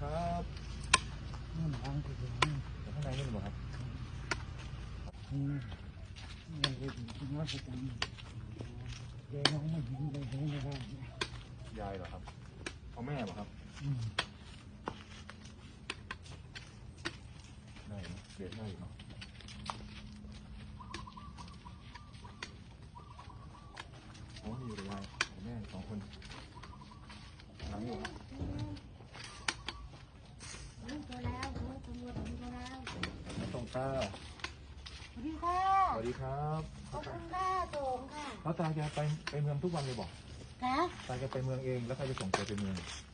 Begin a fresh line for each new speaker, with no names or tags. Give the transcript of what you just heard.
ครับ
นี่ทางที่อยู่
ข้างในนี่หรือเปล่าครับ
นี่เราไปถึงวัดประจำเดี๋ยวน้องไม่เห็นเลยเห็นไม่ได้
ยายเหรอครับเอาแม่เหรอครับได้เนอะเด็ดได้อยู่เนาะโอ้มีอยู่เลยยายกับแม่สองคนหลังอยู่ครับ
ตัวแล้วตำรวจตัวแล้ว
ตรงตา
สวัสดีค่ะ
สวัสดีครับ
ขอบคุณค่ะโสมค่ะ
แล้วตาแกไปเมืองทุกวันเลยบอก
ค่ะ
ตาแกไปเมืองเองแล้วใครจะส่งแกไปเมือง